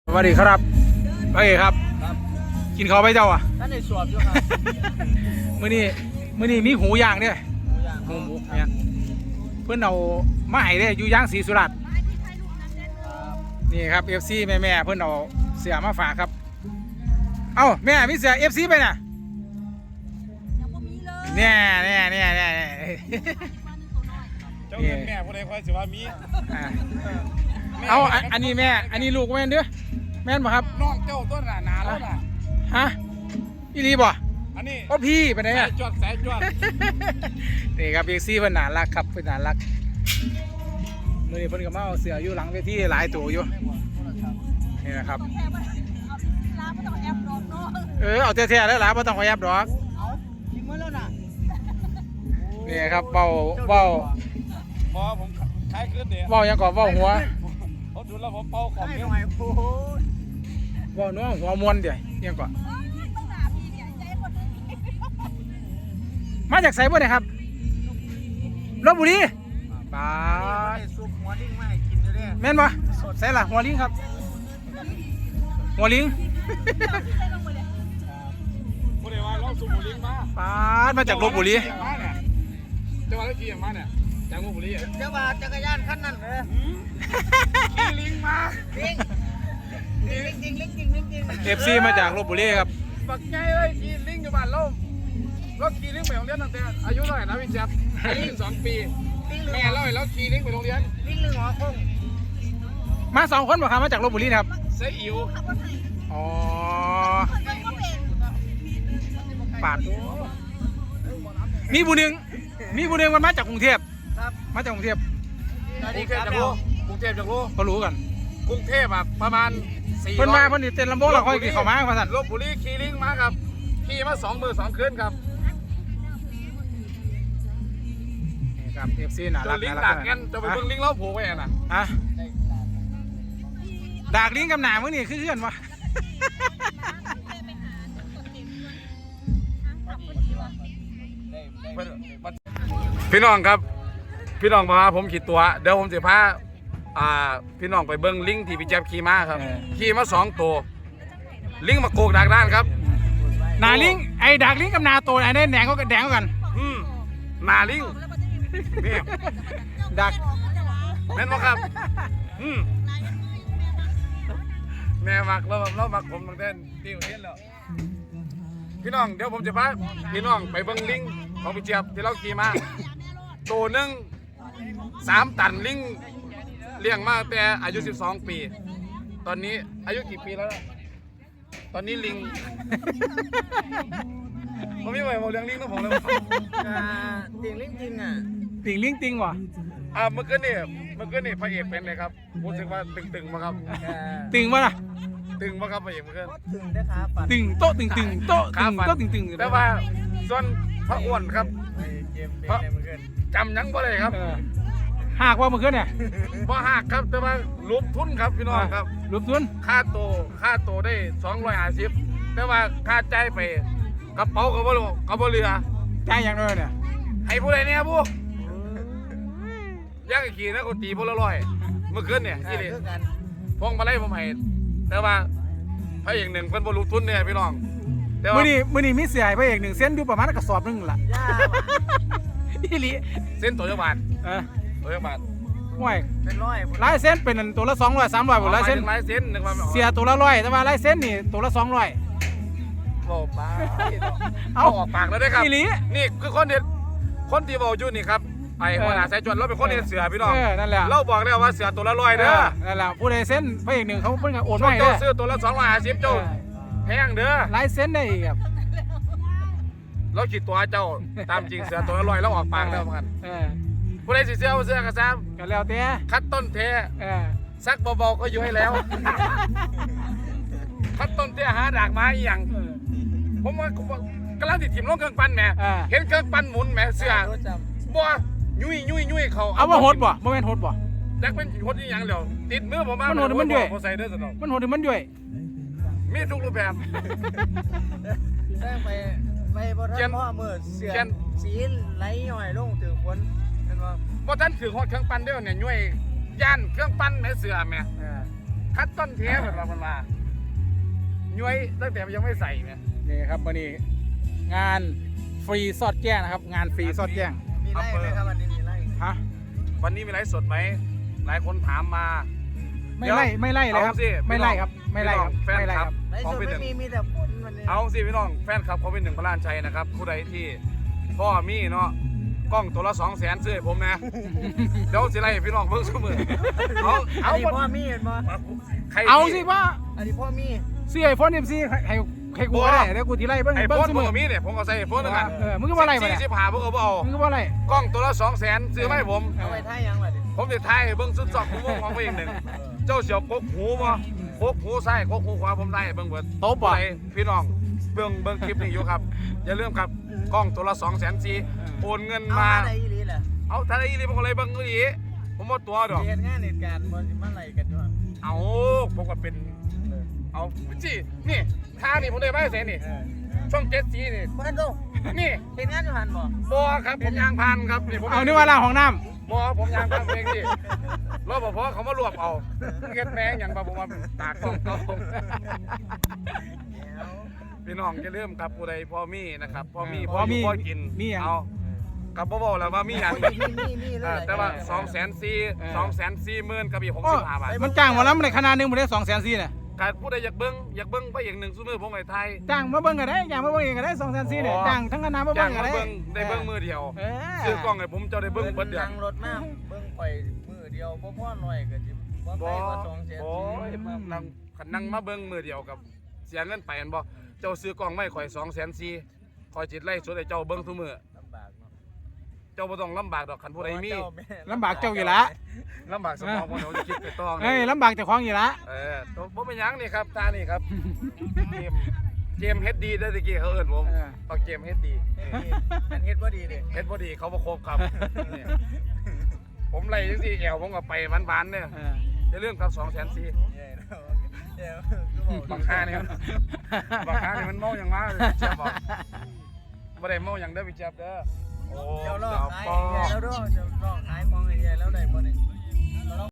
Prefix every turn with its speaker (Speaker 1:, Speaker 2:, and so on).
Speaker 1: สวัสดีครับโอเคครับกินข้าวไปเจ้าอ่ะ
Speaker 2: ท่านในสวบอยู่ครับ
Speaker 1: มื้อนี้มีหูย่างเนี่ยหูหมูเนี่ยเพื่อนเอามาให้เนี่ยอยู่ย่างศรีสุราษฎร์นี่ครับ FC แม่เพื่อนเอาเสื้อมาฝากครับเอ้าแม่มีเสื้อ FC ไปน่ะเนี่ย
Speaker 3: เจ้าเงินแม่ผู้ใดคอยสิว่ามี
Speaker 1: เอาอันนี้แม่อันนี้ลูกแม่นเด้อแม่นป่ะครับ
Speaker 3: น้องเจ้าต้นหนาแล้วน่ะ
Speaker 1: ฮะอีรีบ่
Speaker 3: อันนี้
Speaker 1: โอ้พี่ไปไหน
Speaker 3: สา
Speaker 1: อ่ะ
Speaker 3: ยจวด
Speaker 1: นี่ครับเอ็กซี่เพิ่นน่ารักครับเพิ่นน่ารักมื้อนี้เพิ่นก็มาเอาเสืออยู่หลังเวทีหลายตัวอยู่นี่นะครับเอาแท้ๆแล้วล่ะบ่ต้องขอยับดอก
Speaker 2: เอาทิ้งไว้แล้วน่ะ
Speaker 1: นี่ครับเว้า
Speaker 3: พอผมคล้ายขึ้นเดี๋ยว
Speaker 1: เว้าหยังก่อนเว้าหัว
Speaker 3: เขาดูแล้วผมเป่าขอบ
Speaker 2: ให้
Speaker 3: เย
Speaker 2: หน่อยโอ้โห
Speaker 1: เว้านัวหัวมวนเดี๋ยวหยังก่อนมาจากไสบ่เนี่ยครับลพบุรีปาด
Speaker 2: ให้ซุปหัวลิงมาให้กินอยู่เด้
Speaker 1: แม่นบ่ใส่ล่ะหัวลิงครับหัวลิง
Speaker 3: ผู้ใดว่าเราสูบบุหรี่มา
Speaker 1: ปาดมาจากลพบุรี
Speaker 3: จังหวัดกี่อย่างมาเนี่ยจากลพบุรี
Speaker 2: เดี๋ยวว่าจักรยานคันนั้นเลย
Speaker 3: ขี่ลิงมา
Speaker 2: ลิงลิง
Speaker 1: FC มาจากลพบุรีครับ
Speaker 3: ปักไงเลยขี่ลิงอยู่บ้านเราขี่ลิงไปโรงเรียนตั้งแต่อายุเท่าไหร่นะพี่แจ๊บอายุ12 ปีแม่เล่าให้เราขี่ลิงไปโรงเรียน
Speaker 2: ลิงหรือหัวคง
Speaker 1: มา2 คนบ่ครับมาจากลพบุรีนะครับ
Speaker 3: เสียอิ๋ว
Speaker 1: อ๋อปาดมีผู้หนึ่งมันมาจากกรุงเทพ
Speaker 2: ครับ
Speaker 1: มาจากกรุงเทพ
Speaker 2: สวัส
Speaker 3: ก
Speaker 2: ดี
Speaker 3: รุง
Speaker 2: ค
Speaker 3: เทพ
Speaker 2: รับ
Speaker 3: จากโลกรุงเทพจากโล
Speaker 1: ก็รู้กัน
Speaker 3: กรุงเทพอ่ะประมาณ400
Speaker 1: เพิ่นมาเพิ่นนี่เต้นลำโพงเราค่อยกินข้าวมาว่าซั่น
Speaker 3: ลพบุรีขี่ลิงมาครับขี่มา2 มื้อ 2 คืนครับ
Speaker 1: นี่ครับ FC น่า
Speaker 3: เจ
Speaker 1: รั
Speaker 3: อก ลิง
Speaker 1: น่า
Speaker 3: ดั
Speaker 1: รั
Speaker 3: ก
Speaker 1: ก
Speaker 3: กันจะไปเบิ่งลิงเล่าผูกไว้น่ะ
Speaker 1: ฮะดากลิงกับหนามึงนี่คือเพื่อนวะ
Speaker 3: พี่น้องครับพี่น้องพาผมขี่ตัวเดี๋ยวผมจะพาพี่น้องไปเบิ่งลิงที่พี่แจ๊บขี่มาครับขี่มา2 ตัวลิงมาโกกดักด้านครับ
Speaker 1: หนาลิงไอ้ดากลิงกับหนาโตไอ้ได้แดงก็แดงกัน
Speaker 3: หนาลิงนี่
Speaker 1: ดัก
Speaker 3: แม่นบ่ครับแม่มักเรามักผมตั้งแต่ที่เห็นแล้วพี่น้องเดี๋ยวผมจะพาพี่น้องไปเบิ่งลิงของพี่เจี๊ยบที่เราขี่มาตัวหนึ่ง3 ตันลิงเลี้ยงมาแต่อายุ12 ปี ตอนนี้อายุกี่ปีแล้วตอนนี้ลิงผมไม่ไหวผมเลี้ยงลิงนะผมเลย
Speaker 2: ติงลิงจริงอ่ะ
Speaker 1: ติ่งลิงติ่งวะ
Speaker 3: เมื่อคืนนี่พระเอกเป็นเลยครับรู้สึกว่าตึงๆมาครับ
Speaker 1: ติ่งวะล่ะ
Speaker 3: ตึงมาครับพระเอกเมื่อคืน
Speaker 2: ถึงได้ขาปัด
Speaker 1: ติ่งโต๊ะติ่งโต๊ะ
Speaker 3: ขาฟัน
Speaker 1: ติ่ง
Speaker 3: แต่ว่าส่วนพระอ้วนครับ
Speaker 2: เกมเป็นอะไรเหมือนกัน
Speaker 3: จำยังบ่ได้ครับ
Speaker 1: หากว่าเมื่อคืนเนี่ย
Speaker 3: บ่หักครับแต่ว่ารูปทุนครับพี่น้องครับ
Speaker 1: รูปทุน
Speaker 3: ค่าโตได้250แต่ว่าค่าใจายไปกระเป๋าก็บ่เหลือ
Speaker 1: จ่ายอย่างน้อยเนี่ย
Speaker 3: ให้ผู้ใดเนี่ยผู้ย่างขี่นะคนตีพลร้อยเมื่อคืนเนี่ยที่นี่
Speaker 2: คือกัน
Speaker 3: พวงมาลัยผมให้แต่ว่าพระเอกหนึ่งเพิ่นบ่รู้ทุนเนี่ยพี่น้องแต่ว่า
Speaker 1: มื้อนี้มีเสียให้พระเอก1 เส้นอยู่ประมาณกระสอบนึงล่ะ
Speaker 2: ย่า
Speaker 1: อีหลี
Speaker 3: เส้นตัวจักบาท
Speaker 1: ห่วย
Speaker 2: เป็นร้อย
Speaker 1: ลายเส้นเป็นตัวละ200 300บ่ลายเส้น
Speaker 3: ลายเส้นนึกว่า
Speaker 1: เสียตัวละ100แต่ว่าลายเส้นนี่ตัวละ200
Speaker 3: โอ้ป้า
Speaker 1: เอา
Speaker 3: ออกปากแล้วได้ครับ
Speaker 1: อีหลี
Speaker 3: นี่คือคนที่บอกอยู่นี่ครับไอ้หัวหน้าสายจวนเราเป็นคนเฮ็ดเสือพี่น้อง
Speaker 1: นั่นแหละ
Speaker 3: เราบอกแล้วว่าเสือตัวละ100เด้อ
Speaker 1: นั่นแหละผู้ใดเส้นพระเอก1เขาเพิ่นก็โอน
Speaker 3: ช่ว
Speaker 1: มาง ให้
Speaker 3: เจ้า
Speaker 1: เด้อ
Speaker 3: ซื้อตัวละ250เจ้าแพงเด้อ
Speaker 1: ลายเส้นได้อีกครับ
Speaker 3: เราคิดตัวเจ้าตามจริงเสือตัวละ100แล้วออกปากแล้วกัน
Speaker 1: เออ
Speaker 3: ผู้ใดสิเสื้อเอาเสื้อกระซ้
Speaker 1: ก็แล้วแต่
Speaker 3: ำคัดต้นเท
Speaker 1: เออ
Speaker 3: ซักเบาๆก็อยู่ให้แล้ว คัดต้นเทหาดากไม้อีหยังผมว่ากำลังติดถิ่มลงเครื่องปั้นแหมเห็นเครื่องปั้นหมุนแหมเสื้อ
Speaker 2: รู้จ
Speaker 3: บ่ยุ่ยเขา
Speaker 1: เอาว่าโหดบ่บ่แม่นโหดบ่
Speaker 3: จักเป็นคนอีหยังแล้วติดมือผมมา
Speaker 1: มันโหดมันด้วย
Speaker 3: ผมใส่เด้อสนอง
Speaker 1: มันโหดมันด้วย
Speaker 3: มีทุกรูปแบบ
Speaker 2: ำแจ้งไปบนท่านพ่อมือเสือสีไหลย่อยลงถึงฝนเป็นว่า
Speaker 3: บ่ทันถือฮอดเครื่องปั้นเด้อเนี่ยยุ่ยย่านเครื่องปั้นแม่เสื้อแม่คัดต้นเทปแบบมันมาย้วยตั้งแต่มันยังไม่ใส่เนี่ย
Speaker 1: นี่ครับวันนี้งานฟรีซอดแจ้งนะครับ งานฟรีซอดแจ้ง
Speaker 2: มีไล่ไหมครับวันนี้มีไล่
Speaker 1: ฮะ
Speaker 3: วันนี้มีไลฟ์สดไหมหลายคนถามมา
Speaker 1: ไม่ไล่เลยครับ
Speaker 3: เอาสิ
Speaker 1: ไม่ไล่ครับไม่ไล่ครับ
Speaker 3: แฟน
Speaker 1: ไม่ไล่
Speaker 3: ค
Speaker 1: ค
Speaker 3: ลั
Speaker 1: รั
Speaker 3: บบ
Speaker 2: ไล่
Speaker 3: ของ
Speaker 2: สด
Speaker 3: พี่ห
Speaker 2: ไม่
Speaker 3: นึ่ง
Speaker 2: มีแต่ฝนวันนี้
Speaker 3: เอาสิพี่น้องแฟนคลับของพี่หนึ่งพระลานชัยนะครับผู้ใดที่พ่อมีเนาะกล้องตัวละ200,000ซื้อให้ผมนะเดี๋ยวสิไล่พี่น้องเพิ่งเสมอเอา
Speaker 2: อั
Speaker 3: เอา
Speaker 2: นนี้พ่อมีเห็นบ่
Speaker 3: ใคร
Speaker 1: เอาสิว่า
Speaker 2: อันนี้พ่อมี
Speaker 1: เสียไอโฟนMCให้กูก็ได้เดี๋ยวกูทีไล่เบิ้ง
Speaker 3: ไอ้
Speaker 1: เบิ้
Speaker 3: โฟ
Speaker 1: ง
Speaker 3: น
Speaker 1: เส
Speaker 3: ผม
Speaker 1: อ
Speaker 3: ก็มีเนี่ยผมก็ใส่ไอ้โฟนนั่นแหละ
Speaker 1: มึงก็ว่าไล่มาเนี่ย
Speaker 3: 45ผมก็บ่เอา
Speaker 1: มึงก็ว่าไล่
Speaker 3: กล้องตัวละ200,000ซื้อมาให้ผม
Speaker 2: เอาไปท่ายังล่ะดิ
Speaker 3: ผมจะถ่ายให้เบิ่งสุดสองผมของตัวเองหนึ่งเจ้าเสียวกกหูบ่กกหูซ้ายกกหูขวาผมได้ให้เบิ่งเบิด
Speaker 1: โต๊ะบ่
Speaker 3: ไปพี่น้องเบิ่งคลิปนี้อยู่ครับอย่าลืมครับกล้องตัวละ240,000โอนเงิน
Speaker 2: เอา
Speaker 3: มา
Speaker 2: อะไรอีหลีแหละ
Speaker 3: เอาถ้าได้อีหลีผมก็เลยเบิ่งอีหลีผมบ่ตัวดอก
Speaker 2: เหตุงานเหตุการณ์บ่สิมาไล่กันอยู่
Speaker 3: เอาผมก็เป็นเอาจินี่ท่านี่ผมได้มาเสนี่ช่อง7สีนี่
Speaker 2: บ้านโต
Speaker 3: นี่
Speaker 2: เหตุงานอยู่หันบ่
Speaker 3: บ่ครับผมยางพานครับนี่ผม
Speaker 1: เอานึกว่าล่างของน้
Speaker 3: บ่ผมยางพานเองดิรปภเขามารวบเอาเฮ็ดแม่งหยังบ่ผมว่าตากกล้องเขา พี่น้องอย่าลืมครับผู้ใดพ่อมีนะครับพ่อมีพ่ออยู่พ่อกิน
Speaker 1: มีอย่าง
Speaker 3: เอากับบ่บอกแล้วว่ามีอย่าง
Speaker 2: มีเลย
Speaker 3: แต่ว่า240,000กับอีก65 บาท
Speaker 1: มันจ้างหมอลำในขนาดหนึงหมดได้200,000เนี่ย
Speaker 3: การผู้ใดอยากเบิ่งไปอย่างหนึ่งซุมื้อผมไอ้ไทย
Speaker 1: จ้างมาเบิ้งก็ได้จ้างมาเบิ้งเองก็ได้200,000เนี่ยจ้างทั้งคณะมา
Speaker 3: จ้า
Speaker 1: เบิ้
Speaker 3: ง
Speaker 1: งก็
Speaker 3: มา
Speaker 1: ได้
Speaker 3: เบิ่งได้เบิ่งมือเดียว
Speaker 1: เอ
Speaker 3: ซื้อกล้องให้ผมเจ้าได้เบิ่งเบิดเดือน
Speaker 2: นั่งรถมาเบิ่งไปมือเดียวพ่อหน่อยก็สิบ่ไป
Speaker 3: บ่
Speaker 2: ว่า2แสน
Speaker 3: นั่งคันนั่งมาเบิ่งมือเดียวกับเสียเงินไปอันบ่เจ้าซื้อกล้องไม่ข่อย240,000ข่อยจิตไล่สดให้เจ้าเบิ่งทุกมื้อ
Speaker 2: ลำบากเนาะ
Speaker 3: เจ้าบ่ต้องลำบากดอกคันผู้ใดมี
Speaker 1: ลำบากเจ้าอยู่ละ
Speaker 3: ลำบากสมองบ่เดี๋ยวจะคิดไปต้อง
Speaker 1: เฮ้ยลำบากเจ้าของอยู่ละ
Speaker 3: ตัวผมเป็นหยังนี่ครับตานี่ครับเกมเฮ็ดดีได้ตะกี้เขาเอิ้นผมปักเกมเฮ็ดดี
Speaker 2: อันเฮ็ดบ่ดีเด้
Speaker 3: เฮ็ดบ่ดีเขาบ่ครบครับนี่ผมไล่จังซี่แอวผมก็ไปหวานๆเนี่ยอย่าลืมครับ240,000
Speaker 2: ใหญ่เนาะเดี๋ยวคือบอก
Speaker 3: บางค่านี่มันเมาหยังมาเจ็บบ่บ่ได้เมาหยังเด้อพี่เจ็บเด้อโอ้
Speaker 2: เดี๋ยวรอ
Speaker 3: ดาว
Speaker 2: ขาย
Speaker 3: ปอ
Speaker 2: ใหญ่แล้วด้วยเดี๋ยวรอขายของใหญ่แล้วได้บ่นี่